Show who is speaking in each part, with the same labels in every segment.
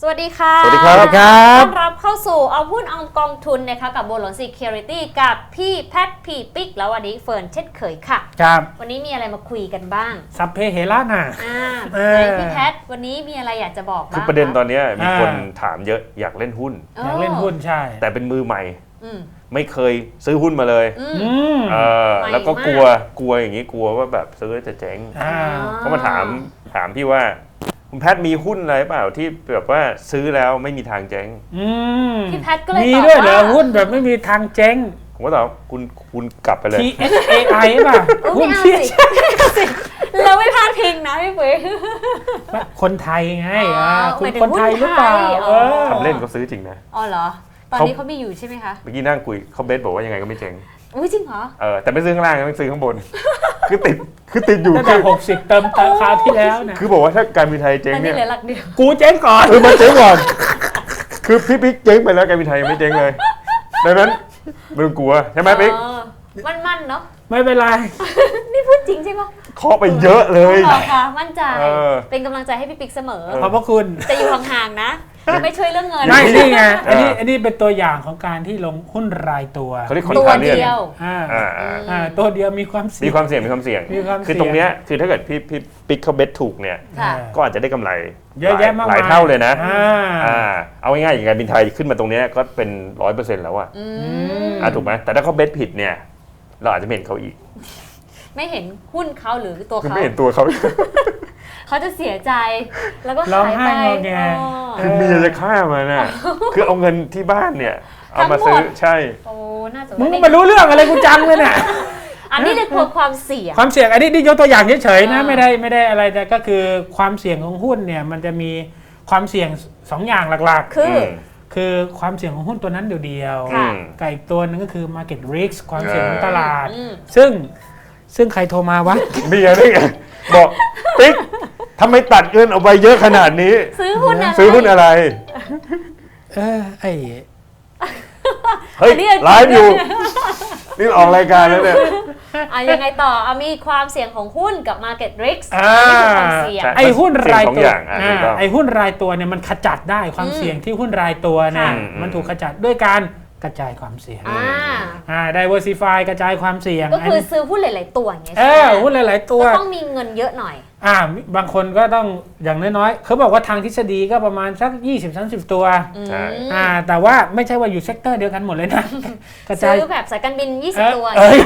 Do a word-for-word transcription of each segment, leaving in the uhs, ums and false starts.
Speaker 1: สวัสดีค่ะ
Speaker 2: สวัสดีครับ
Speaker 1: ต้อนรับเข้าสู่เอาหุ้นเอากองทุนนะคะกับโบลอนซีเคียวริตี้กับพี่แพทพี่ปิ๊กแล้ววันนี้เฟิร์นเช่นเคยค่ะ
Speaker 2: ครับ
Speaker 1: วันนี้มีอะไรมาคุยกันบ้าง
Speaker 2: สัพเพเหระน่ะ
Speaker 1: อ่า
Speaker 2: เออ
Speaker 1: ไหนพี่แพทวันนี้มีอะไรอยากจะบอกบ้าง
Speaker 3: คือประเด็นตอนนี้มีคน
Speaker 2: อ่า
Speaker 3: ถามเยอะอยากเล่นหุ้น
Speaker 2: อยากเล่นหุ้นใช่
Speaker 3: แต่เป็นมือใหม่
Speaker 1: อืม
Speaker 3: ไม่เคยซื้อหุ้นมาเลย
Speaker 1: อื
Speaker 2: อื
Speaker 1: ม
Speaker 2: ม
Speaker 3: เออ
Speaker 1: ใหม่
Speaker 3: แล้วก็
Speaker 1: มาก
Speaker 3: กลัวกลัวอย่างนี้กลัวว่าแบบซื้อแล้วจะเจ๊ง
Speaker 2: อ่า
Speaker 3: เขามาถามถามพี่ว่าคุณแพทมีหุ้นอะไรเปล่าที่แบบว่าซื้อแล้วไม่มีทางเจ๊ง
Speaker 2: อืม
Speaker 1: พี่แพทก็เลย
Speaker 2: มี
Speaker 1: ตอบ
Speaker 2: ด้วยเหรอ
Speaker 1: ว่า
Speaker 2: หุ้นแบบไม่มีทางเจ๊ง
Speaker 3: ผมก็ตอบคุณคุณกลับไปเลย
Speaker 2: ที เอส เอ ไอ ป่ะ
Speaker 1: เออ
Speaker 2: หุ้
Speaker 1: ไม่
Speaker 2: น
Speaker 1: เอา
Speaker 2: ที่
Speaker 1: สิไม่เอาสิเราไม่พลาดพิงนะพี่ปุ๋ย
Speaker 2: คนไทยไง
Speaker 1: อ๋อ
Speaker 2: อ่าคุณ
Speaker 1: หมายถึง
Speaker 2: คนไทยหรือเปล่า
Speaker 1: หุ้นไทย
Speaker 2: เออ
Speaker 3: ทำเล่นก็ซื้อจริงนะ
Speaker 1: อ๋อเหรอตอน
Speaker 3: เขา
Speaker 1: นี้เขาไม่อยู่ใช่ไหมคะ
Speaker 3: เมื่อกี้นั่งคุยเขาเบสบอกว่ายังไงก็ไม่เจ๊ง
Speaker 1: อุ้ยจริงเหรอ
Speaker 3: เออแต่ไม่ซื้อข้างล่างนะไม่ซื้อข้างบน คือติดคือติดอยู่
Speaker 2: ตั้ง
Speaker 3: คื
Speaker 2: แต่
Speaker 3: อ
Speaker 2: หกสิบเติมราคราวที่แล้วเนี่ย
Speaker 3: คือบอกว่าถ้าการบินไทยเจ๊ง
Speaker 1: ตอน
Speaker 3: เนี่
Speaker 1: นี้
Speaker 3: ย
Speaker 1: เหลือหลักเดียว
Speaker 2: กูเจ๊งก่อน
Speaker 3: คือมันเจ๊งก่อน คือพี่ปิ๊กเจ๊งไปแล้วการบินไทยยังไม่เจ๊งเลย ดังนั้นไม่ต้องกลัวใช่ไหมปิ๊ก
Speaker 1: เออมั่นๆเนาะ
Speaker 2: ไม่เป็นไร
Speaker 1: นี่พูดจริงใช่ปะ
Speaker 3: เคาะไปเยอะเลย
Speaker 1: หรอคะมั่นใจ
Speaker 3: เออ
Speaker 1: เป็นกำลังใจให้พี่ปิ๊กเสมอ
Speaker 2: ขอบพระคุณ
Speaker 1: จะอยู่ห่างๆนะ ไม่ช่วยเรื่องเงิน
Speaker 2: ไม่นี่ไงอันนี้อันนี้เป็นตัวอย่างของการที่ลงหุ้นรายตัว
Speaker 3: เขาเรียกคอน
Speaker 1: ตัว
Speaker 3: ทราเรียน
Speaker 1: เดียว
Speaker 2: อ่า
Speaker 3: อ่าอ่า
Speaker 2: อ่าตัวเดียวมีความเสี่
Speaker 3: มี
Speaker 2: ยง
Speaker 3: ความเสี่ยงมีความเสี่ยง
Speaker 2: มีความเสี่ยง
Speaker 3: คือตรงเนี้ยคือถ้าเกิดพี่พี่ปิ๊กเขาเบสถูกเนี่ย
Speaker 1: ค่ะ
Speaker 3: ก็อาจจะได้กำไร
Speaker 2: เยอะแยะมาก
Speaker 3: หลาย
Speaker 2: มาย
Speaker 3: เท่าเลยนะ
Speaker 2: อ่า
Speaker 3: อ่าเอาง่ายๆอย่างการบินไทยขึ้นมาตรงเนี้ยก็เป็นร้อยเปอร์เซ็นต์แล้วอะ
Speaker 1: อื
Speaker 2: อื
Speaker 1: ม
Speaker 2: ม
Speaker 3: อ่าถูกไหมแต่ถ้าเขาเบสผิดเนี่ยเราอาจจะไม่เห็นเขาอีก
Speaker 1: ไม่เห็นหุ้นเขาหรือตัว
Speaker 3: คือ
Speaker 1: เขา
Speaker 3: ไม่เห็นตัวเขา
Speaker 1: เขาจะเสียใจ แล้วก็
Speaker 2: ร้อง
Speaker 1: หาย
Speaker 2: ไห้
Speaker 1: ไป
Speaker 2: งอแง
Speaker 1: อ๋อ
Speaker 3: คือเมียจะฆ่ามันน่ะคือเอาเงินที่บ้านเนี่ยเอามา
Speaker 1: ทั้งหมด
Speaker 3: ซื้อใช่
Speaker 1: โอ้น่าจะ
Speaker 2: มึงมารู้เรื่องอะไรกูจังเลยเนี่ย
Speaker 1: อันนี้เลยกลัวความเสี่ยง
Speaker 2: ความเสี่ยงอันนี้นี่ยกตัวอย่างเฉยๆนะ
Speaker 1: อ่า
Speaker 2: ไม่ได้ไม่ได้อะไรแต่ก็คือความเสี่ยงของหุ้นเนี่ยมันจะมีความเสี่ยงสองอย่างหลัก
Speaker 1: คือ
Speaker 3: ม
Speaker 2: ๆ คือความเสี่ยงของหุ้นตัวนั้นเดียว
Speaker 1: ค่ะ
Speaker 3: อืม
Speaker 2: ๆกับอีกตัวหนึงก็คือ market risk ความเสี่ยงของตลาด
Speaker 1: อืม
Speaker 2: ซึ่งซึ่งใครโทรมาวะ
Speaker 3: นี่ไงนี่ไงบอกปิ๊กทำไมตัดเงินออกไปเยอะขนาดนี้
Speaker 1: ซื้อหุ้นอะไร
Speaker 3: ซื้อหุ้นอะไร
Speaker 2: เออไอ้
Speaker 3: เฮ้ย
Speaker 1: อันนี้
Speaker 3: ไลฟ์อยู่ นี่ออกรายการแล้วเนี่ย
Speaker 1: อ่ะยังไงต่ออ่ะมีความเสี่ยงของหุ้นกับ market risk
Speaker 2: อ่า
Speaker 1: อันนี้คือความเสี่ยง
Speaker 3: ใช่
Speaker 2: ไอ้หุ้นราย
Speaker 3: เสี่ยงสอง
Speaker 2: ตัว
Speaker 3: อย่างอ่ะถูกต้อง
Speaker 2: ไอ้หุ้นรายตัวเนี่ยมันขจัดได้ความ
Speaker 1: อืม
Speaker 2: เสี่ยงที่หุ้นรายตัวเนี่ย
Speaker 3: ค่ะ
Speaker 2: มันถูกขจัดด้วยการกระจายความเสี่ยง
Speaker 1: อ่า
Speaker 2: อ่า diversify กระจายความเสี่ยง
Speaker 1: ก็คือซื้อหุ้นหลาย ๆ ตัวอย่างเงี้ย
Speaker 2: เอ
Speaker 1: ใช่ไห
Speaker 2: อ
Speaker 1: ม
Speaker 2: หุ้นหลาย ๆ ตัว
Speaker 1: ก็ต้องมีเงินเยอะหน่อย
Speaker 2: อ่าบางคนก็ต้องอย่างน้อยๆเขาบอกว่าทางทฤษฎีก็ประมาณสัก ยี่สิบถึงสามสิบ ตัว
Speaker 3: ใช่
Speaker 2: อ่าแต่ว่าไม่ใช่ว่าอยู่เซกเตอร์เดียวกันหมดเลยนะ กระจาย
Speaker 1: ซื้อแบบสายการบิน ยี่สิบ ตัว
Speaker 2: เอ้ย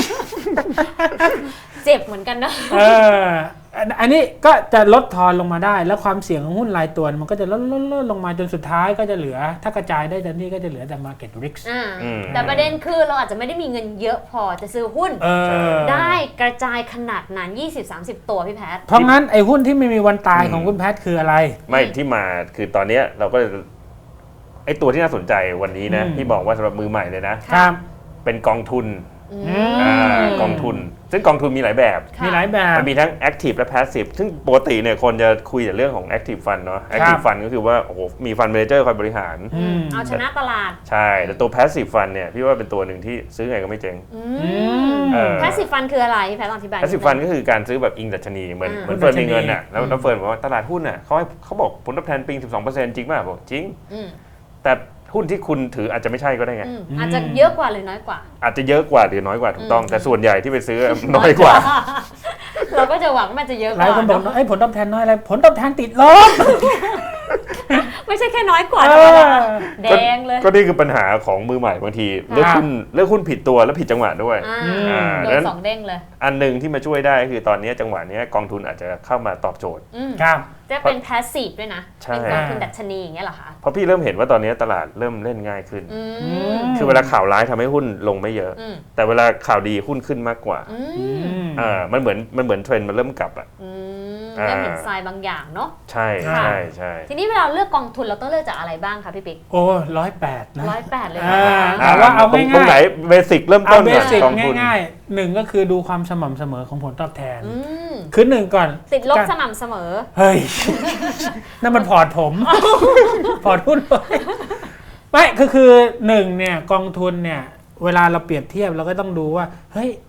Speaker 1: เจ็บเหมือนกันนะ
Speaker 2: เอออันอันนี้ก็จะลดทอนลงมาได้ แล้วความเสี่ยงของหุ้นรายตัวมันก็จะลดลดลดลงมาจนสุดท้ายก็จะเหลือ ถ้ากระจายได้ทันทีก็จะเหลือแต่ market risk
Speaker 1: อ่า
Speaker 3: อืม
Speaker 1: แต่ประเด็นคือเราอาจจะไม่ได้มีเงินเยอะพอจะซื้อหุ้น
Speaker 2: เออ
Speaker 1: ได้กระจายขนาดนั้น ยี่สิบถึงสามสิบ ตัวพี่แพท
Speaker 2: เพราะงั้นไอ้หุ้นที่ไม่มีวันตายของคุณแพทย์คืออะไร
Speaker 3: ไม่ที่มาคือตอนเนี้ยเราก็ไอ้ตัวที่น่าสนใจวันนี้นะ
Speaker 2: อืม
Speaker 3: ที่บอกว่าสำหรับมือใหม่เลยนะ
Speaker 2: ครับ
Speaker 3: เป็นกองทุน
Speaker 1: อื
Speaker 2: อืม
Speaker 3: อ่ากองทุน ซึ่งกองทุนมีหลายแบบ
Speaker 1: ค่ะ
Speaker 2: มีหลายแบบ
Speaker 3: มันมีทั้ง active และ passive ซึ่งปกติเนี่ยคนจะคุยแต่เรื่องของ active fund เนาะ active fund ก็คือว่าโอ้โหมี fund manager คอยบริหาร
Speaker 2: อืม
Speaker 1: เอาชนะตลาด
Speaker 3: ใช่ แต่ตัว passive fund เนี่ยพี่ว่าเป็นตัวหนึ่งที่ซื้อไงก็ไม่เจ๊ง
Speaker 1: อื
Speaker 2: อื
Speaker 1: ม
Speaker 2: ม
Speaker 3: เออ
Speaker 1: แพสซีฟฟันคืออะไรพี่แพทลองอธิบาย
Speaker 3: passive fund ก็คือการซื้อแบบอิงดัชนีเหมือน
Speaker 1: อ่า
Speaker 3: เหมือนเฟิร์น
Speaker 2: ดัชนี
Speaker 3: มีเงินอ่ะแล้ว
Speaker 2: อืม
Speaker 3: แล้วเฟิร์นบอกว่าตลาดหุ้นอ่ะเขาให้เขาบอกผลตอบแทนปีสิบสองเปอร์เซ็นต์จริงป่ะบอกจริง
Speaker 1: อืม
Speaker 3: แต่หุ้นที่คุณถืออาจจะไม่ใช่ก็ได้ไง
Speaker 1: อืมอาจจะเยอะกว่าหรือน้อยกว่า
Speaker 3: อาจจะเยอะกว่าหรือน้อยกว่าถูกต้อง
Speaker 1: อืม
Speaker 3: แต่ส่วนใหญ่ที่ไปซื้อน้อยกว่า
Speaker 1: เราก็จะหวังว่ามันจะเยอะก
Speaker 2: หลาย
Speaker 1: ว่า
Speaker 2: คนบอก
Speaker 1: เนอะ
Speaker 2: ไอ้ยผลตอบแทนน้อยอะไรผลตอบแทนติดลบ
Speaker 1: ไม่ใช่แค่น้อยกว่า
Speaker 2: เอ
Speaker 1: ธรรม
Speaker 2: อ
Speaker 1: ดาแดงเลย
Speaker 3: ก็นี่คือปัญหาของมือใหม่บางทีเลือกหุ้นเลือกหุ้นผิดตัวแล้วผิดจังหวะด้วย
Speaker 1: อ่า
Speaker 2: อืม
Speaker 3: อ่า
Speaker 1: โด
Speaker 3: ดัง
Speaker 1: น
Speaker 3: นั้น
Speaker 1: สองเด้งเลย
Speaker 3: อันหนึ่งที่มาช่วยได้คือตอนนี้จังหวะนี้กองทุนอาจจะเข้ามาตอบโจทย์
Speaker 1: อืม
Speaker 2: ครับ
Speaker 1: จะเป็นแพสซีฟด้วยนะ
Speaker 3: ใช่
Speaker 1: เป็นกองทุนดัชนีอย่างเงี้ยเหรอคะ
Speaker 3: เพราะพี่เริ่มเห็นว่าตอนนี้ตลาดเริ่มเล่นง่ายขึ้น
Speaker 1: อื
Speaker 2: อื
Speaker 1: ม
Speaker 2: ม
Speaker 3: คือเวลาข่าวร้ายทำให้หุ้นลงไม่เยอะ
Speaker 1: อืม
Speaker 3: แต่เวลาข่าวดีหุ้นขึ้นมากกว่า
Speaker 1: อื
Speaker 2: อื
Speaker 1: ม
Speaker 2: ม
Speaker 3: อ่ามันเหมือนมันเหมือนเทรนด์มันเริ่มกลับอ่ะ
Speaker 1: อืม
Speaker 3: อ่า
Speaker 1: เริ่มเห็นทรายบางอย่างเนาะ
Speaker 3: ใช่
Speaker 2: ค่ะ
Speaker 3: ใช่ใช่
Speaker 1: ทีนี้เวลาเลือกกองทุนเราต้องเลือกจากอะไรบ้างคะพี่ปิ๊ก
Speaker 2: โอ้ร้อยแปดนะ
Speaker 1: ร้อยแปดเลย
Speaker 2: อ่า
Speaker 1: นะคะ
Speaker 2: แต่ว่าเอา
Speaker 3: ตรง
Speaker 2: ง่ายๆ
Speaker 3: ตรงไหนเบสิกเริ่ม
Speaker 2: เอา
Speaker 3: ต้น
Speaker 2: เบ
Speaker 3: ก่อน
Speaker 2: สิก
Speaker 3: กองทุน
Speaker 2: ง่ายๆหนึ่งก็คือดูความสม่ำเสมอของผลตอบแทน
Speaker 1: อืม
Speaker 2: คือหนึ่งก่อน
Speaker 1: ติดลบ
Speaker 2: การ
Speaker 1: สม่ำเสมอ
Speaker 2: เฮ้ย นั่นมันพอร์ตผม พอร์ตหุ้นไม่ก็คือหนึ่งเนี่ยกองทุนเนี่ย เวลาเราเปรียบเทียบเราก็ต้องดูว่า เฮ้ย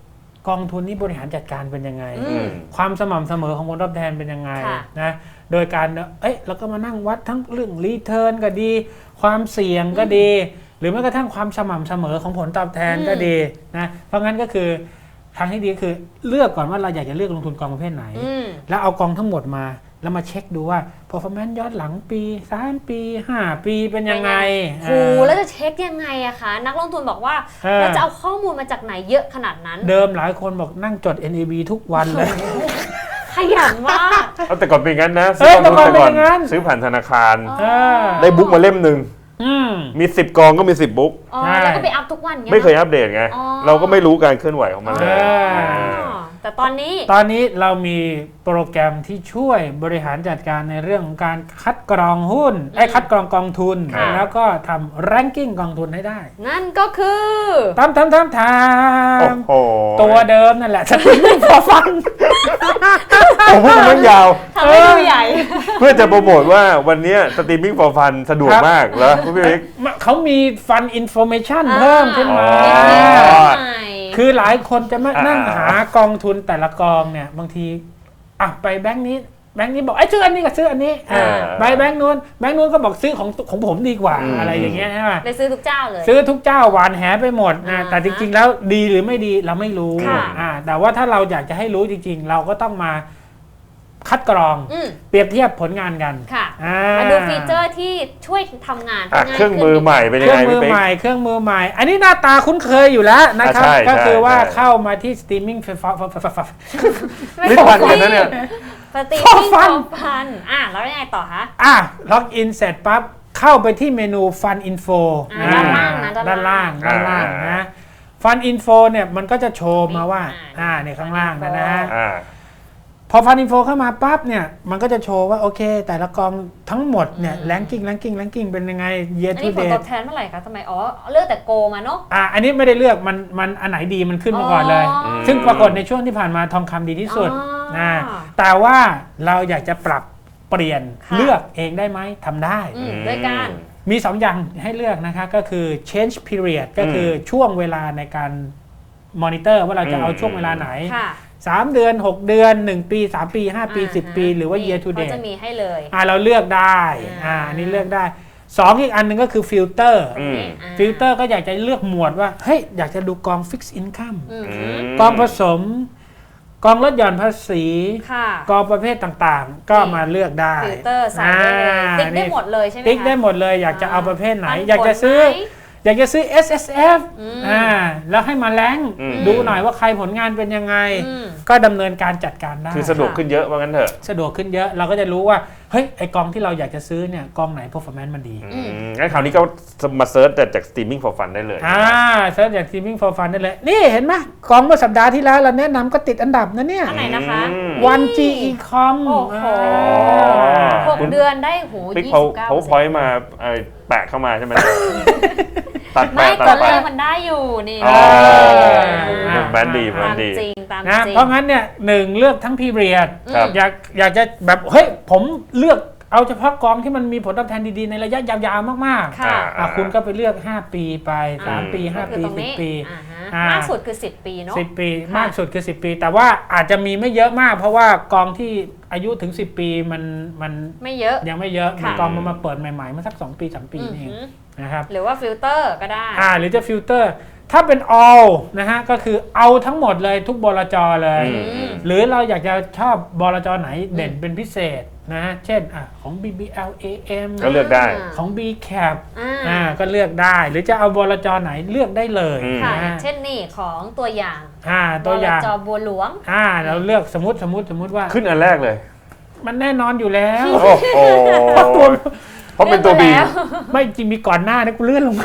Speaker 2: กองทุนนี้บริหารจัดการเป็นยังไง
Speaker 1: อืม
Speaker 2: ความสม่ำเสมอของผลตอบแทนเป็นยังไง
Speaker 1: ค่ะ
Speaker 2: นะโดยการเอ้ยเราก็มานั่งวัดทั้งเรื่องรีเทิร์นก็ดี ความเสี่ยงก็ดี หรือแม้กระทั่งความสม่ำเสมอของผลตอบแทนก็ดีนะเพราะงั้นก็คือทางที่ดีคือเลือกก่อนว่าเราอยากจะเลือกลงทุนกองประเภทไหน
Speaker 1: อืม
Speaker 2: แล้วเอากองทั้งหมดมาแล้วมาเช็คดูว่า performance ย้อนหลังปีสามปีห้าปีเป็นยังไง
Speaker 1: โหแล้วจะเช็คยังไงอะคะ นักลงทุนบอกว่า
Speaker 2: เออ
Speaker 1: เราจะเอาข้อมูลมาจากไหนเยอะขนาดนั้น
Speaker 2: เดิมหลายคนบอกนั่งจด เอ็น เอ บี ทุกวันเลย
Speaker 1: ขยันมาก
Speaker 3: เอาแต่ก่อนเป็นงั้นนะ
Speaker 2: เอ้ย
Speaker 3: กองทุน
Speaker 2: แต่ก่อนเป็นอย่างนั้น
Speaker 3: ซื้อผ่านธนาคาร
Speaker 1: อ๋อ
Speaker 2: เออ
Speaker 3: ได้บุ๊กมาเล่มหนึ่ง
Speaker 2: อืม
Speaker 3: มีสิบกองก็มีสิบบุ๊ก
Speaker 1: อ๋อ
Speaker 2: ใช่
Speaker 1: แล้วก็ไปอัพทุกวันงี้
Speaker 3: ไม่เคยอัปเดตไง
Speaker 1: อ๋อ
Speaker 3: เราก็ไม่รู้การเคลื่อนไหวของมันเลย
Speaker 2: เออ
Speaker 1: อ๋อแต่ตอนนี้
Speaker 2: ตอนนี้เรามีโปรแกรมที่ช่วยบริหารจัดการในเรื่องของการคัดกรองหุ้นไอ้คัดกรองกองทุน
Speaker 1: ค่ะ
Speaker 2: แล้วก็ทำ ranking กองทุนให้ได้
Speaker 1: นั่นก็คือ
Speaker 2: ทำทำทำท
Speaker 3: โอ้
Speaker 2: ำ
Speaker 3: โห
Speaker 2: ตัวเดิมนั่นแหละสติไม่พอฟัง
Speaker 3: ผมพูดมันยาว
Speaker 1: ทำให้ดูใหญ่
Speaker 3: เพื่อจะโปรโมทว่าวันเนี้สตรีมมิ่ง for fun สะดวก
Speaker 2: ครับ
Speaker 3: มากแล้วคุณพี่เล็ก
Speaker 2: เขามีฟันอินโฟเมชัน
Speaker 1: อ่า
Speaker 2: เพิ่มขึ้นมา
Speaker 3: อ๋อ
Speaker 1: ใหม่
Speaker 2: คือหลายคนจะมา
Speaker 3: อ่า
Speaker 2: นั่งหากองทุนแต่ละกองเนี่ยบางทีอ่ะไปแบงค์นี้แบงค์นี้บอกไอ้ยซื้ออันนี้กับซื้ออันนี้
Speaker 1: อ่า
Speaker 2: ไปแบงค์นู้นแบงค์นู้นก็บอกซื้อของของผมดีกว่า
Speaker 3: อืม
Speaker 2: อะไรอย่างเงี้ยใช่ไหม
Speaker 1: เลยซื้อทุกเจ้าเลย
Speaker 2: ซื้อทุกเจ้าหวานแหไปหมดนะ
Speaker 1: อ่า
Speaker 2: แต่จริงๆแล้วดีหรือไม่ดีเราไม่รู้
Speaker 1: ค่ะ
Speaker 2: อ่าแต่ว่าถ้าเราอยากจะให้รู้จริงๆ เราก็ต้องมาคัดกรอง
Speaker 1: อืม
Speaker 2: เปรียบเทียบผลงานกัน
Speaker 1: ค่ะ
Speaker 2: อ่า
Speaker 1: มาดูฟีเจอร์ที่ช่วยทำงาน
Speaker 3: อ่ะ
Speaker 1: ให้ง่าย
Speaker 3: เครื่องมือใหม่เป็น
Speaker 2: เค
Speaker 3: ยัง
Speaker 2: รื่อง
Speaker 3: ไง
Speaker 2: มือ
Speaker 3: พี่เป๊ก
Speaker 2: ใหม่เครื่องมือใหม่ อันนี้หน้าตาคุ้นเคยอยู่แล้วนะครับ
Speaker 3: อ่าใช่
Speaker 2: ก็คือว่า
Speaker 3: ใช่
Speaker 2: เข้ามาที่สตรีมมิ่งไฟฟ้า
Speaker 3: ลิ้นพันกันนะเนี่ย
Speaker 1: สตรีม
Speaker 2: ฟอ
Speaker 1: มิ่ง
Speaker 2: ฟัน
Speaker 1: พันอ่ะแล้วยังไงต่อคะ
Speaker 2: อ่ะล็อกอินเสร็จปั๊บเข้าไปที่เมนู Fun Info
Speaker 1: อ่าด้านล่างนะด้า
Speaker 2: ด้าน น
Speaker 1: ล่า
Speaker 2: ล่าง งด้านล่าง
Speaker 3: อ่าน
Speaker 2: นะ Fun Info เนี่ยมันก็จะโชว์มาว่า
Speaker 1: อ่า
Speaker 2: อ่าเนี่ยข้างล่างนะนะฮะ
Speaker 3: อ่า
Speaker 2: พอ Fun Info เข้ามาปั๊บเนี่ยมันก็จะโชว์ว่าโอเค แต่ละกองทั้งหมดเนี่ย ranking ranking ranking เป็นยังไง year
Speaker 1: อัน
Speaker 2: to
Speaker 1: นี้ผลต
Speaker 2: date
Speaker 1: อบแทนเมื่อไหร่คะทำไมอ๋อเลือกแต่โกมาเนาะ
Speaker 2: อ่าอันนี้ไม่ได้เลือกมันมันอันไหนดีมันขึ้นมาก่อนเลย
Speaker 1: อ๋อ
Speaker 2: ซึ่งปรากฏในช่วงที่ผ่านมาทองคำดีที่สุด
Speaker 1: อ๋อ
Speaker 2: นะแต่ว่าเราอยากจะปรับเปลี่ยน
Speaker 1: ค่ะ
Speaker 2: เลือกเองได้ไหมทำได้
Speaker 1: อืมด้วยการ
Speaker 2: มีสองอย่างให้เลือกนะคะก็คือ change period ก็คือช่วงเวลาในการมอนิเตอร์ว่าเราจะเอาช่วงเวลาไหน
Speaker 1: ค่ะ
Speaker 2: สามเดือน หก เดือน หนึ่ง ปี สาม ปี ห้า ปี
Speaker 1: อ่า
Speaker 2: สิบ ปี หรือว่า year to
Speaker 1: เขา
Speaker 2: date
Speaker 1: จะมีให้เลย
Speaker 2: อ่าเราเลือกได้
Speaker 1: อ่า
Speaker 2: อ่าอันนี้เลือกได้สองอีกอันหนึ่งก็คือฟิลเตอร์
Speaker 3: อืม
Speaker 1: อ่า
Speaker 2: ฟิลเตอร์ก็อยากจะเลือกหมวดว่าเฮ้ยอยากจะดูกอง fixed income
Speaker 1: อืม
Speaker 3: อืม
Speaker 2: กองผสม กองลดหย่อนภาษี
Speaker 1: ค่ะ
Speaker 2: กองประเภทต่างๆ ก็มาเลือกได้
Speaker 1: ฟิลเตอร์ใส่ได้เลย
Speaker 2: อ่า
Speaker 1: ติ๊กได้
Speaker 2: นี่
Speaker 1: หมดเลยใช่ไหมคะ
Speaker 2: ติ๊กได้หมดเลยอยากจะเอาประเภทไหน
Speaker 1: ปัผล
Speaker 2: อยากจะซื้อ
Speaker 1: ไหม
Speaker 2: อยากจะซื้อ เอส เอส เอฟ
Speaker 1: อืม
Speaker 2: อ่าแล้วให้มาแรงค์
Speaker 3: อืม
Speaker 2: ดูหน่อยว่าใครผลงานเป็นยังไง
Speaker 1: อืม
Speaker 2: ก็ดำเนินการจัดการได้
Speaker 3: คือสะดวกขึ้นเยอะว่างั้นเถอะ
Speaker 2: สะดวกขึ้นเยอะเราก็จะรู้ว่าเฮ้ยไอกองที่เราอยากจะซื้อเนี่ยกองไหน performance มันดี
Speaker 3: อืมงั้นคราวนี้ก็มาเซิร์ชแต่จาก streaming for fun ได้เลย
Speaker 2: อ่าเซิร์ชจาก Teaming for Fun ได้เลย นี่เห็นไหมกองเมื่อสัปดาห์ที่แล้วเราแนะนำก็ติดอันดับนะเนี่ย
Speaker 1: อันไหนนะคะ
Speaker 3: อืม
Speaker 2: วัน จี อี คอม
Speaker 1: โอ้โห
Speaker 3: อ่า
Speaker 1: หกเดือนได้โห
Speaker 3: ปิ๊ก
Speaker 1: ยี่
Speaker 3: เขา
Speaker 1: สิบเก้า
Speaker 3: เขาพอยต์มาเอ่อแปะเข้ามาใช่ไหม ตัดไป
Speaker 1: ไม่
Speaker 3: ตั
Speaker 1: ตอ
Speaker 3: ด
Speaker 1: น
Speaker 3: ไป
Speaker 1: แรกมันได้อยู่นี่
Speaker 3: อ๋อ
Speaker 2: อ่า
Speaker 3: แบรนด์ดีแบร
Speaker 1: ตาน ม
Speaker 3: ด์ดี
Speaker 1: จริงตาม
Speaker 2: นะ
Speaker 1: จริง
Speaker 2: เพราะงั้นเนี่ยหนึ่งเลือกทั้ง period
Speaker 3: ครับ
Speaker 2: อยากอยากจะแบบเฮ้ยผมเลือกเอาเฉพาะกองที่มันมีผลตอบแทนดีๆ ในระยะยาวๆมากๆ
Speaker 1: ค่ะ
Speaker 2: อ่ะคุณก็ไปเลือก ห้า ปีไป สาม
Speaker 3: อืม
Speaker 2: ปี ห้า
Speaker 1: ก็คือ
Speaker 2: ปี
Speaker 1: ตรง
Speaker 2: สิบ
Speaker 1: นี้
Speaker 2: ปี
Speaker 1: อ่าฮะ
Speaker 2: อ่าม
Speaker 1: มากสุดคือสิบปีเนาะ
Speaker 2: สิบ ปี
Speaker 1: ค่ะ
Speaker 2: มากสุดคือ สิบ ปี แต่ว่าอาจจะมีไม่เยอะมาก เพราะว่ากองที่อายุถึง สิบ ปีมันมัน
Speaker 1: ไม่เยอะ
Speaker 2: ยังไม่เยอะ
Speaker 1: ค่ะ
Speaker 2: มันกองมันมาเปิดใหม่ๆเมาสัก สอง ปี สาม ปี
Speaker 1: อือ
Speaker 2: นี่เอ
Speaker 1: หื
Speaker 2: ง
Speaker 1: อ
Speaker 2: นะครับ
Speaker 1: หรือว่าฟิลเตอร์ก็ได้
Speaker 2: อ่าหรือจะฟิลเตอร์ถ้าเป็น all นะฮะก็คือเอาทั้งหมดเลยทุกบลจเลย
Speaker 3: อืม
Speaker 2: หรือเราอยากจะชอบบลจไหนเด่นเป็นพิเศษนะฮะเช่นอ่ะของ บี บี แอล เอ เอ็ม
Speaker 3: ก็เลือกได้
Speaker 2: ของ บี แคป
Speaker 1: อ่า
Speaker 2: อ่าก็เลือกได้ หรือจะเอาบลจไหนเลือกได้เลย
Speaker 3: อืม
Speaker 1: ค่ะ
Speaker 2: นะ
Speaker 1: อย่า
Speaker 2: ฮะ
Speaker 1: งเช่นนี่ของตัวอย่าง
Speaker 2: อ่าตัวอย่าง
Speaker 1: บลจบัวหลวง
Speaker 2: อ่าเราเลือกสมมติสมมติสมมติว่า
Speaker 3: ขึ้นอันแรกเลย
Speaker 2: มันแน่นอนอยู่แล้ว
Speaker 3: โอ้โห
Speaker 2: ตัว
Speaker 3: เพราะเป็นตัวบี
Speaker 1: เลือกมาแล้ว
Speaker 2: ไม่จริงมีก่อนหน้านะกูเลื่อนลงมา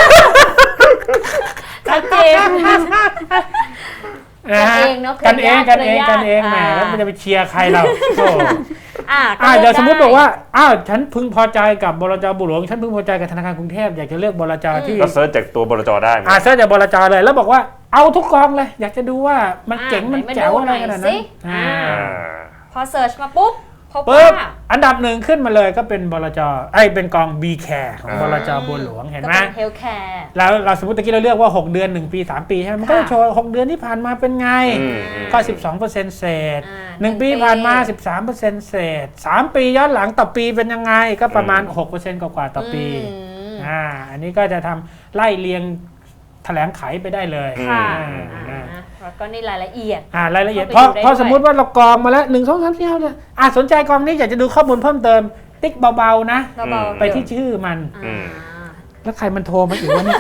Speaker 1: ชัดเจน
Speaker 2: นะฮะ
Speaker 1: กันเองเนอะ
Speaker 2: กันเองกันเอง
Speaker 1: เครือญาติ
Speaker 2: กันเองแหม
Speaker 1: อ่า
Speaker 2: แล้วมันจะไปเชียร์ใครเราโธ่
Speaker 1: อ่าก็
Speaker 2: อ่า
Speaker 1: ลื
Speaker 2: เดี๋ยวสมมติบอกว่า
Speaker 1: ได้
Speaker 2: อ้าวฉันพึงพอใจกับบลจบุหลวงฉันพึงพอใจกับธนาคารกรุงเทพอยากจะเลือกบลจที่
Speaker 3: ก็เซิร์ชจากตัวบลจได้ไหม
Speaker 2: อ่าเซิร์ชจากบลจเลยแล้วบอกว่าเอาทุกกองเลย อยากจะดูว่ามัน
Speaker 1: อ่า
Speaker 2: เจ๋งมัน
Speaker 1: ไหนมา
Speaker 2: แจ๋ว
Speaker 1: ดู
Speaker 2: อะไร
Speaker 1: หน่อย
Speaker 2: ขนาด
Speaker 1: สิ
Speaker 2: นั้นอ่า
Speaker 1: อ่า
Speaker 3: อ่า
Speaker 1: พอเสิร์ชมาปุ๊บพบ
Speaker 2: ปุ๊บ
Speaker 1: ว่า
Speaker 2: อันดับหนึ่งขึ้นมาเลยก็เป็นบลจไอ้ยเป็นกอง B Care ของ
Speaker 3: อ่า
Speaker 2: บลจบัวหลวงเห็นไหม
Speaker 1: ก็เป็นเฮลท์แคร์
Speaker 2: แล้วเราสมมติตะกี้เราเลือกว่าหกเดือนหนึ่งปีสามปีใช่ไหมมันก็จะ
Speaker 1: ค่ะ
Speaker 2: โชว์หกเดือนที่ผ่านมาเป็นไง
Speaker 3: อืมอืม
Speaker 2: ก็ สิบสองเปอร์เซ็นต์ เศษ
Speaker 1: อ่า
Speaker 2: หนึ่ง
Speaker 1: หนึ่ง
Speaker 2: ปี
Speaker 1: ปี
Speaker 2: ผ่านมา สิบสามเปอร์เซ็นต์ เศษสามปีย้อนหลังต่อปีเป็นยังไงก็ประมาณ หกเปอร์เซ็นต์ กว่าๆต่อปี
Speaker 1: อืม
Speaker 2: อ่าอันนี้ก็จะทำไล่เรียงแถลงไขไปได้เลย
Speaker 1: ค่ะ
Speaker 2: อ่า
Speaker 1: อ่าแล้วก็นี่รายละเอียด
Speaker 2: อ่ารายละเอียดเพ
Speaker 1: เข้า
Speaker 2: ราะ
Speaker 1: ไปดูได้
Speaker 2: เพราะ
Speaker 1: ด้วย
Speaker 2: สมมุติว่าเรากรองมาแล้วหนึ่งสองสามสี่ห้าเนี่ยอ่าสนใจกองนี้อยากจะดูข้อมูลเพิ่มเติม ติ๊กเบาๆนะ
Speaker 1: เบาๆ
Speaker 2: ไปที่ชื่อมัน
Speaker 1: อ่า
Speaker 2: แล้วใครมันโทรมาอีกวะเนี่ย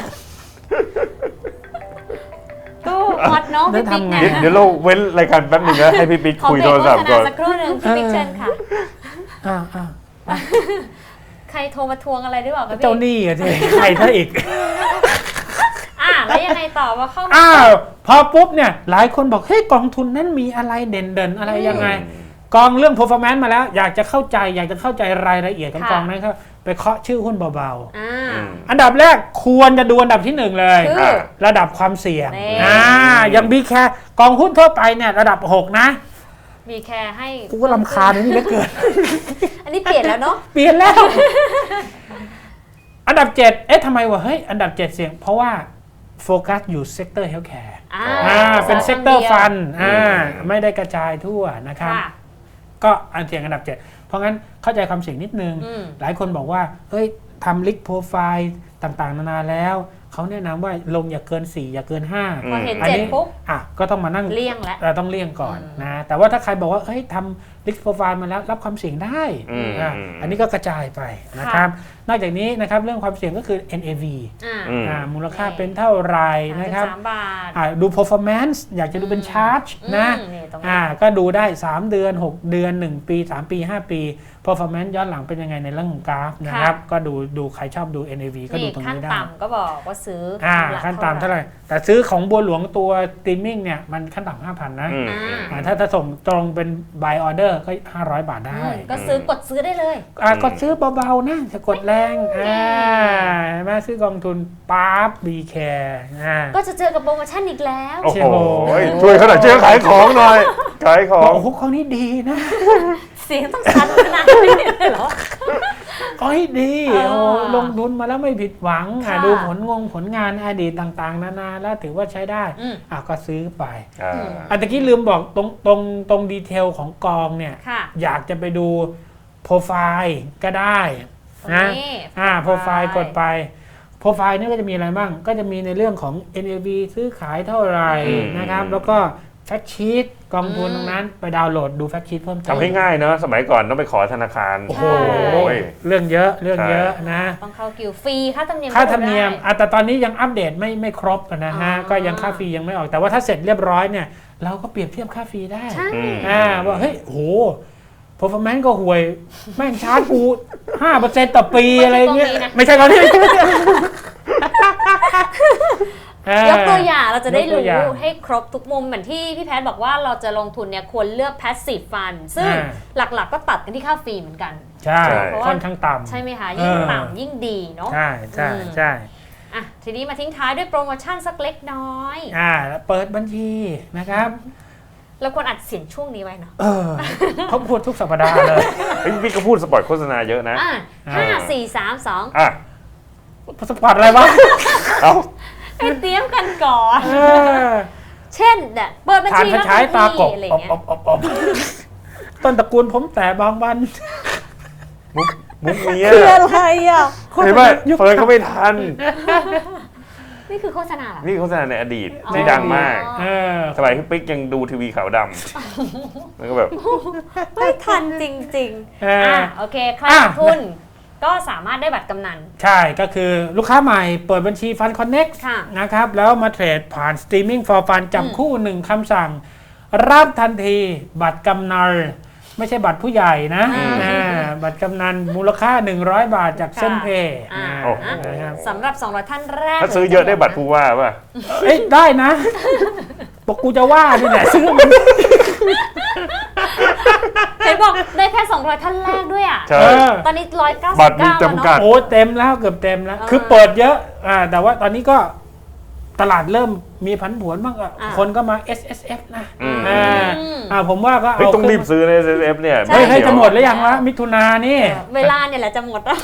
Speaker 1: ตู้ฮอตเน้องพี่ปิ๊ก
Speaker 2: แล้
Speaker 1: เนี่
Speaker 2: วย ทำไง
Speaker 3: เดี๋ยวเราเว้นรายการแป๊บหนึงนะให้พี่ปิ๊ก
Speaker 1: ขอ
Speaker 3: คุย
Speaker 1: เบร
Speaker 3: โท
Speaker 1: ก
Speaker 3: ร
Speaker 1: โฆ
Speaker 3: ศัพ
Speaker 1: ษ
Speaker 3: ท์ก่
Speaker 1: ณา
Speaker 3: อน
Speaker 1: สักครู่หนึ่งพี่ปิ๊กเชิญค่ะ
Speaker 2: อ่าอ่า
Speaker 1: ใครโทรมาทวงอะไรหรือเปล่าคะพี่
Speaker 2: เจ้าหนี้อะที่ใครถ้าอีก
Speaker 1: อ่าแล้วยังไงต่อว่าเข้ามา
Speaker 2: อ้าวพอปุ๊บเนี่ยหลายคนบอกเฮ้ยกองทุนนั้นมีอะไรเด่นๆ อะไรยังไง กองเรื่อง performance มาแล้ว อยากจะเข้าใจอยากจะเข้าใจรายละเอียดของกองนั้นครับไปเคาะชื่อหุ้นเบา
Speaker 1: อ่า
Speaker 3: อืม
Speaker 2: ๆ อันดับแรกควรจะดูอันดับที่หนึ่งเลย
Speaker 1: คือ
Speaker 2: ระดับความเสี่ยง
Speaker 1: นี่
Speaker 2: อ่าอย่างบีแคร์กองหุ้นทั่วไปเนี่ยระดับหกนะ
Speaker 1: มีแคร์ให้
Speaker 2: กูก็รำคาญนี่เหลือเกิน
Speaker 1: อันนี้เปลี่ยนแล้วเนาะ
Speaker 2: เปลี่ยนแล้ว อันดับเจ็ดเอ๊ะทำไมวะเฮ้ยอันดับเจ็ดเสี่ยงเพราะว่าโฟกัสอยู่เซกเตอร์เฮลท์แคร์
Speaker 1: อ่า
Speaker 2: อ่าเป็นเซกเตอร์
Speaker 1: ดียว
Speaker 2: ฟันอ่า
Speaker 3: อืม
Speaker 2: ไม่ได้กระจายทั่วนะครับ
Speaker 1: ค่ะ
Speaker 2: ก็อันเสี่ยงอันดับเจ็ดเพราะงั้นเข้าใจความเสี่ยงนิดนึง
Speaker 1: อืม
Speaker 2: หลายคนบอกว่าเฮ้ยทำลิกโปรไฟล์ต่างๆ นานาแล้ว เขาแนะนำว่าลงอย่าเกินสี่อย่าเกินห้า
Speaker 1: พอเห็น
Speaker 2: อัน
Speaker 1: เจ็ด
Speaker 2: นี้
Speaker 1: ปุ๊บ
Speaker 2: อ่ะก็ต้องมานั่ง
Speaker 1: เลี่ยงแล้ว
Speaker 2: เราต้องเลี่ยงก่อน
Speaker 1: อืม
Speaker 2: นะแต่ว่าถ้าใครบอกว่าเฮ้ยทำลิกโปรไฟล์มาแล้วรับความเสี่ยงได้
Speaker 3: อืม
Speaker 2: อ่ะ
Speaker 3: อืม
Speaker 2: อันนี้ก็กระจายไปนะครับ นอกจากนี้นะครับเรื่องความเสี่ยงก็คือ เอ็น เอ วี
Speaker 1: อ่า
Speaker 3: อืม
Speaker 2: อ่ามูลค่าเป็นเท่าไหรนะครับ
Speaker 1: สามบาท
Speaker 2: อ่าดู performance อยากจะดูเป็นชาร์จนะ
Speaker 1: อืมนี่ตรงนี้
Speaker 2: อ่าก็ดูได้ สาม เดือน หก เดือน หนึ่ง ปี สาม ปี ห้า ปี performance ย้อนหลังเป็นยังไงในเรื่องของกราฟนะครับ ก็ดูดูใครชอบดู เอ็น เอ วี ก็ดู
Speaker 1: นี่
Speaker 2: ตรง
Speaker 1: ขั้น
Speaker 2: นี้ได้
Speaker 1: ต่ำก็บอกว่าซื้อ
Speaker 2: อ่า
Speaker 1: ละ
Speaker 2: ขั้นต่ำเท่าไหร่ แต่ซื้อของบัวหลวงตัว streaming เนี่ย มันขั้นต่ำห้าพันนะ
Speaker 3: อืม
Speaker 1: อ่า
Speaker 2: อ่าถ้าถ้าส่งตรงเป็น buy order ก็ ห้าร้อย บาทได้
Speaker 1: อืมก็ซื้อกดซื้อได้เลย
Speaker 2: อ่ากดซื้อเบาๆนะจะกดแรงอ่าเห็นไหมซื้อกองทุนปั๊บ B Care อ่า
Speaker 1: ก็จะเจอกับโปรโมชั่นอีกแล้ว
Speaker 3: โอ้
Speaker 2: เชี่
Speaker 3: โห
Speaker 2: ยโห
Speaker 3: ช่วยเขาหน่อยช่วยขายของหน่อยขายของ
Speaker 2: โอ้โหของนี้ดีนะ
Speaker 1: เสียงต้องสั่นขนาดนี้เลยเหรอ
Speaker 2: ของนี้ดี
Speaker 1: เออ
Speaker 2: โอ้ลงทุนมาแล้วไม่ผิดหวังอ่ะ
Speaker 1: ค่ะ
Speaker 2: ดูผลงงผลงานอดีตต่างๆ นานาแล้วถือว่าใช้ได้
Speaker 1: อืม
Speaker 2: อ่ะก็ซื้อไป
Speaker 3: อ่า
Speaker 2: อันตะกี้ลืมบอกตรงตรงตรงดีเทลของกองเนี่ย
Speaker 1: ค่ะ
Speaker 2: อยากจะไปดูโปรไฟล์ก็ได้นะ
Speaker 1: ตรงนี้
Speaker 2: อ่าโปรไฟล์
Speaker 1: โปรไฟล์
Speaker 2: กดไปโปรไฟล์นี่ก็จะมีอะไรบ้าง ก็จะมีในเรื่องของ เอ็น เอ วี ซื้อขายเท่าไหร่
Speaker 3: อืม
Speaker 2: นะครับ แล้วก็แฟกชีตกองทุนตรงนั้นไปดาวน์โหลดดูแฟกชีตเพิ่มเติม
Speaker 3: ทำให้ง่ายเนอะสมัยก่อนต้องไปขอธนาคาร
Speaker 2: โอ้โห
Speaker 1: ใช่
Speaker 2: เรื่องเยอะเรื่องเยอะนะ
Speaker 1: ต้องเข้ากิวฟรีค่าธรรมเนียม
Speaker 2: ค่าธรรมเนียม
Speaker 1: ก็ดูได้
Speaker 2: อ่ะแต่ตอนนี้ยังอัปเดตไม่ไม่ครบนะฮะ
Speaker 1: อ๋อ
Speaker 2: ก็ยังค่าฟรียังไม่ออก แต่ว่าถ้าเสร็จเรียบร้อยเนี่ย เราก็เปรียบเทียบค่าฟรีได้
Speaker 1: ใช่
Speaker 3: อืม
Speaker 2: อ่าว่าเฮ้ยโห performance ก็ห่วย แม่งชาร์จกู ห้าเปอร์เซ็นต์ ต่อปีอะไรเงี้ย ไม่ใช่กองนี้
Speaker 1: ยกตัวอย่างเราจะได้
Speaker 2: ยกตั
Speaker 1: รู้
Speaker 2: วอย่าง
Speaker 1: ให้ครบทุกมุมเหมือนที่พี่แพทย์บอกว่าเราจะลงทุนเนี่ยควรเลือก passive fund ซึ่ง
Speaker 2: อ่า
Speaker 1: หลักๆก็ตัดกันที่ค่าฟรีเหมือนกัน
Speaker 2: ใช่
Speaker 3: ใช่
Speaker 2: ค่อนข้างต่ำ
Speaker 1: ใช่ไหมคะ ยิ่ง
Speaker 2: เออ
Speaker 1: ต่ำยิ่งดีเนาะ
Speaker 2: ใช่ใช่
Speaker 1: อืม
Speaker 2: ใช่
Speaker 1: อ่ะทีนี้มาทิ้งท้ายด้วยโปรโมชั่นสักเล็กน้อย
Speaker 2: อ่าแล้วเปิดบัญชีนะครับ
Speaker 1: เราควรอัดเสียงช่วงนี้ไว้เนาะ
Speaker 2: เออเขาพูดทุกสัปดาห์เลย
Speaker 3: เฮ้ยพี่ก็พูดสปอร์ตโฆษณาเยอะนะ
Speaker 1: อ่ะห้าสี่สามสอง
Speaker 3: อ่ะ
Speaker 2: สปอร์ตอะไรวะ
Speaker 3: เอ้า
Speaker 1: ให้เตรียมกันก่อน
Speaker 2: เออ
Speaker 1: เช่นเนี่ยเปิดบัญ
Speaker 2: ทาน
Speaker 1: ชี
Speaker 2: พระ
Speaker 1: แล้ว
Speaker 2: ฉายตากบ
Speaker 1: อะไร
Speaker 2: อบ
Speaker 1: เงี้ย
Speaker 2: อบอบอบต้นตระกูลผมแต่บางวัน
Speaker 3: มุกมุกนี้
Speaker 1: คือ
Speaker 3: อะ
Speaker 1: อะไรอ่ะ
Speaker 3: เห็นไหมเฟิร์นเขาไม่ทัน
Speaker 1: นี่คือโฆษณาเหรอ
Speaker 3: นี่โฆษณาในอดีต
Speaker 1: อ๋อ
Speaker 3: ที่ดังมาก
Speaker 2: เออ
Speaker 3: สมัยพี่ปิ๊กยังดูทีวีขาวดำแล้วก็แบบ
Speaker 1: ไม่ทันจริง
Speaker 2: เอ
Speaker 1: ๆ
Speaker 2: อ
Speaker 1: อ่ะโอเคใคร
Speaker 2: อ่ะ
Speaker 1: ลงทุนก็สามารถได้บัตรกำนัน
Speaker 2: ใช่ก็คือลูกค้าใหม่เปิดบัญชีฟันคอนเน็ก
Speaker 1: ค่ะ
Speaker 2: นะครับ แล้วมาเทรดผ่าน Streaming for Fun จับคู่หนึ่งคำสั่ง รับทันทีบัตรกำนันไม่ใช่บัตรผู้ใหญ่นะ
Speaker 1: อ่า
Speaker 2: อ่าบัตรกำนันมูลค่า หนึ่งร้อย บาทจากเส้นเพย์
Speaker 1: อ่า
Speaker 3: โอ้โห
Speaker 2: นะครับ
Speaker 1: สำหรับสองร้อยท่านแรก
Speaker 3: ถ้าซื้อเยอะได้บัตรผู้ว่าป่ะ
Speaker 2: เอ้ยได้นะบอกกูจะว่านี่แหละซื้อมัน
Speaker 1: เห็นบอกได้แค่สองร้อยท่านแรกด้วยอ่ะ
Speaker 3: ใช่
Speaker 2: เออ
Speaker 1: ตอนนี้หนึ่งร้อยเก้าสิบ
Speaker 3: บัตรมี
Speaker 1: เก้าแล้ว
Speaker 3: จำกั
Speaker 1: เนาะ
Speaker 3: ด
Speaker 2: โอ้เต็มแล้วเกือบเต็มแล้ว
Speaker 1: อ่า
Speaker 2: คือเปิดเยอะอ่าแต่ว่าตอนนี้ก็ตลาดเริ่มมีผันผวนบ้างอะ
Speaker 1: อ่า
Speaker 2: คนก็มา เอส เอส เอฟ นะ
Speaker 3: อืม
Speaker 2: อ่าอ่าผมว่าก็
Speaker 3: เฮ้ย
Speaker 2: เอา
Speaker 3: ต้องรีบซื้อใน เอส เอฟ เนี่ย
Speaker 1: ใช่
Speaker 2: เฮ้ย
Speaker 3: ไ
Speaker 2: ให้จะหมด
Speaker 3: เดี๋ยว
Speaker 2: แล้วยังวะมิถุนานี่
Speaker 1: เวลาเนี่ยแหละจะหมดแล้ว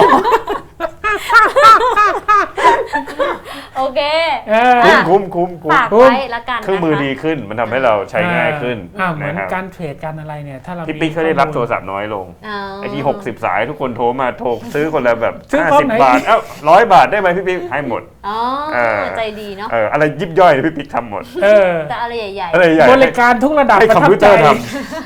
Speaker 1: โอเค
Speaker 2: เออ
Speaker 1: อ่ะ
Speaker 3: คุ้มคุ้มคุ้ม
Speaker 1: ฝาก
Speaker 2: คุ้ม
Speaker 1: ไว้ละกัน
Speaker 3: เครื่องมือดีขึ้นมันทำให้เราใช้ง่ายขึ้น
Speaker 2: อ่าเหมือน
Speaker 3: นะครับ
Speaker 2: การเทรดการอะไรเนี่ยถ้าเรา
Speaker 3: พี่
Speaker 2: มี
Speaker 3: ปิ๊กเขาได้รับโทร
Speaker 2: ข้อมูล
Speaker 3: ศัพท์น้อยลง
Speaker 1: อ๋อ
Speaker 3: ไอ้ที่หกสิบสายทุกคนโทรมาโทรซื้อคนละแบบ
Speaker 2: ซื้อ
Speaker 3: ห้า
Speaker 2: พร้อม
Speaker 3: สิบ
Speaker 2: ไหน
Speaker 3: บาทเอ้าร้อยบาทได้ไหมพี่ปิ๊กให้หมด
Speaker 1: อ๋อ
Speaker 3: อ่า
Speaker 1: ใจดีเนาะ
Speaker 3: เอออะไรยิบย่อยเนี่ยพี่ปิ๊กทำหมด
Speaker 2: เออ
Speaker 1: แต่อะไรใหญ่
Speaker 3: อะไรใหญ่
Speaker 2: บริการทุกระดับ
Speaker 3: ให้
Speaker 2: ประ
Speaker 3: คอม
Speaker 2: ทับ
Speaker 3: พิวเต
Speaker 2: ใจ
Speaker 3: อร์ท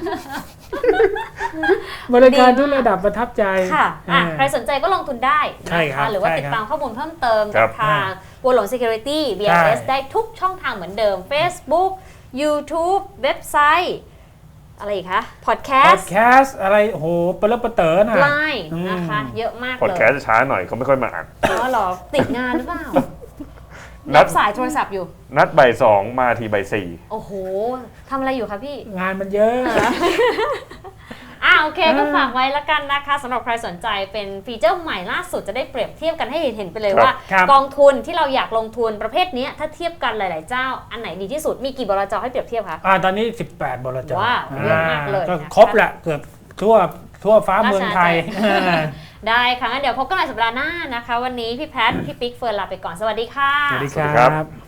Speaker 2: บริการทุกระดับประทับใจ
Speaker 1: ๆค่ะอ่ะ
Speaker 2: เออ
Speaker 1: ใครสนใจก็ลงทุนได้
Speaker 2: ใช่ครับ
Speaker 1: นะคะหรือว่า
Speaker 2: ใช่
Speaker 1: ติด
Speaker 2: ครับ
Speaker 1: ตามข้อมูลเพิ่มเติม
Speaker 3: ครั
Speaker 1: กับบ ทางบัวหลวง Security บี เอ เอส
Speaker 2: ใช่
Speaker 1: ได้ทุกช่องทางเหมือนเดิม Facebook YouTube เว็บไซต์ อะไรอีกคะ
Speaker 2: พอด
Speaker 1: Podcast
Speaker 2: แคสต์อะไรโอ้โหเปรอะเปรอะเต๋อน่ะ
Speaker 1: Line
Speaker 2: อืม
Speaker 1: นะคะ เยอะมาก
Speaker 3: พอด
Speaker 1: เลย
Speaker 3: แคสต์จะช้าหน่อยเขาไม่ค่อยมาอ่าน
Speaker 1: อ๋อเหรอ ติดงานหรือเปล่า
Speaker 3: นั
Speaker 1: รั
Speaker 3: ด
Speaker 1: บสายโทรศัพท์อยู่
Speaker 3: นัดบ่ายสองมาทีบ่ายสี่
Speaker 1: โอ้โหทำอะไรอยู่คะพี่
Speaker 2: งานมันเยอะ
Speaker 1: อ่าโอเคก็
Speaker 2: อ่า
Speaker 1: ฝากไว้ละกันนะคะสำหรับใครสนใจเป็นฟีเจอร์ใหม่ล่าสุดจะได้เปรียบเทียบกันให้เห็นเห็นไปเลย
Speaker 3: ครับ
Speaker 1: ว่า
Speaker 2: ครับ
Speaker 1: กองทุนที่เราอยากลงทุนประเภทเนี้ยถ้าเทียบกันหลาย ๆ เจ้า อันไหนดีที่สุดมีกี่บลจให้เปรียบเทียบคะ
Speaker 2: อ่าตอนนี้สิบแปดบลจ
Speaker 1: ว้าวเยอะมากเลย
Speaker 2: ก็
Speaker 1: นะคะ
Speaker 2: ครบแหละเกือบทั่วทั่วฟ้าเมืองไทย
Speaker 1: ได้ค่ะงั้นเดี๋ยวพบกันใหม่สัปดาห์หน้านะคะ วันนี้พี่แพท พี่ปิ๊กเฟิร์นลาไปก่อนสวัสดีค่ะ
Speaker 2: สวัสดี
Speaker 3: สวัสดี
Speaker 2: ค
Speaker 3: ครั
Speaker 2: รับ บ